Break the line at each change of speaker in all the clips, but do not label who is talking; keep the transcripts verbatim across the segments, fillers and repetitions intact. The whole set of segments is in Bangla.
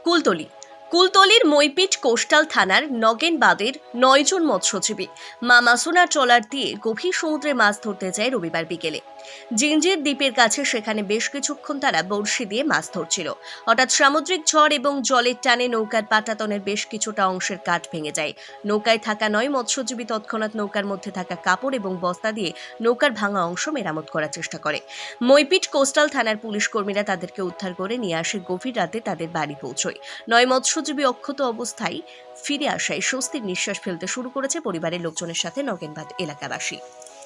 কুলতলি কুলতলির মইপিট কোস্টাল থানার নগেনবাদের নয়জন মৎস্যজীবী মা মাসুনা ট্রলার দিয়ে গভীর সমুদ্রে মাছ ধরতে যায় রবিবার বিকেলে। জিঞ্জির দ্বীপের কাছে সেখানে বেশ কিছুক্ষণ তারা বড়শি দিয়ে মাছ ধরছিল। হঠাৎ সামুদ্রিক ঝড় এবং জলের টানে নৌকার পাটাতনের বেশ কিছুটা অংশের কাঠ ভেঙে যায়। নৌকায় থাকা নয় মৎস্যজীবী তৎক্ষণাৎ নৌকার মধ্যে থাকা কাপড় এবং বস্তা দিয়ে নৌকার ভাঙা অংশ মেরামত করার চেষ্টা করে। মইপিট কোস্টাল থানার পুলিশ কর্মীরা তাদেরকে উদ্ধার করে নিয়ে আসে গভীর রাতে তাদের বাড়ি পৌঁছয়। নয় মৎস্যজীবী অক্ষত অবস্থায় ফিরে আসায় স্বস্তির নিঃশ্বাস ফেলতে শুরু করেছে পরিবারের লোকজনের সাথে নগেনবাদ এলাকাবাসী।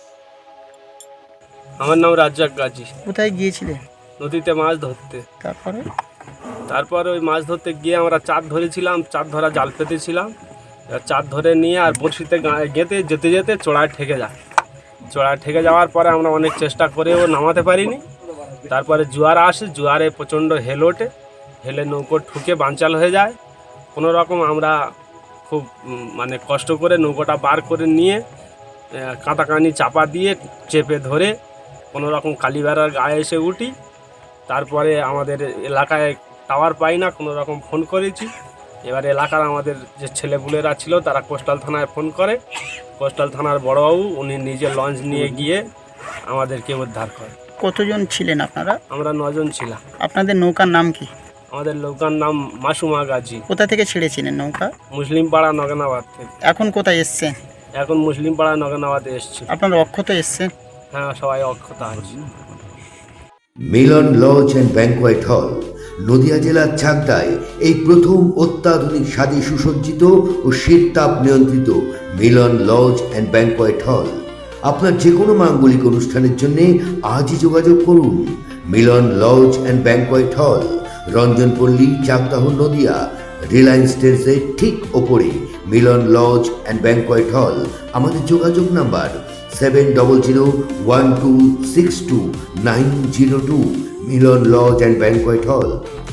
আমার নাম রাজ্জাক গাজী।
কোথায় গিয়েছিলে?
নদীতে মাছ ধরতে।
তারপরে
তারপরে ওই মাছ ধরতে গিয়ে আমরা চাঁদ ধরেছিলাম, চাঁদ ধরা জাল পেতেছিলাম। চাঁদ ধরে নিয়ে আর বড়শিতে গেঁথে যেতে যেতে চড়ায় ঠেকে যায়। চড়ায় ঠেকে যাওয়ার পরে আমরা অনেক চেষ্টা করেও নামাতে পারিনি। তারপরে জোয়ার আসে, জোয়ারে প্রচণ্ড হেল ওঠে, হেলে নৌকো ঠুকে বানচাল হয়ে যায়। কোনো রকম আমরা খুব মানে কষ্ট করে নৌকোটা বার করে নিয়ে কাঁটাকানি চাপা দিয়ে চেপে ধরে কোনো রকম কালীবেড়ার গায়ে এসে উঠি। তারপরে আমাদের এলাকায় টাওয়ার পাই না, কোনো রকম ফোন করেছি। এবার এলাকার আমাদের যে ছেলেপুলেরা ছিল তারা কোস্টাল থানায় ফোন করে। কোস্টাল থানার বড়বাবু উনি নিজে লঞ্চ নিয়ে গিয়ে আমাদেরকে উদ্ধার করে।
কতজন ছিলেন আপনারা?
আমরা নজন ছিলাম।
আপনাদের নৌকার নাম কি?
আমাদের নৌকার নাম মাসুমা গাজী।
কোথা থেকে ছেড়েছিলেন নৌকা?
মুসলিম পাড়া নগেনাবাদ থেকে।
এখন কোথায় এসছেন?
এখন মুসলিম পাড়া নগেনাবাদে এসছি।
আপনারা অক্ষত এসছেন?
হ্যাঁ, সবাই অক্ষত আছে।
মিলন লজ অ্যান্ড ব্যাংকোয়েট হল নদিয়া জেলার চাকদায় এই প্রথম অত্যাধুনিক স্বাদে সুসজ্জিত ও শীত তাপ নিয়ন্ত্রিত মিলন লজ অ্যান্ড ব্যাংকোয়েট হল। আপনার যে কোনো মাঙ্গলিক অনুষ্ঠানের জন্য আজই যোগাযোগ করুন। মিলন লজ অ্যান্ড ব্যাংকোয়েট হল, রঞ্জনপল্লী, চাকদাহ, নদিয়া। রিলায়েন্স ট্রেন্ডসের ঠিক ওপরে মিলন লজ অ্যান্ড ব্যাংকোয়েট হল। আমাদের যোগাযোগ number seven double zero one two six two nine zero two. Milan lodge and banquet হল।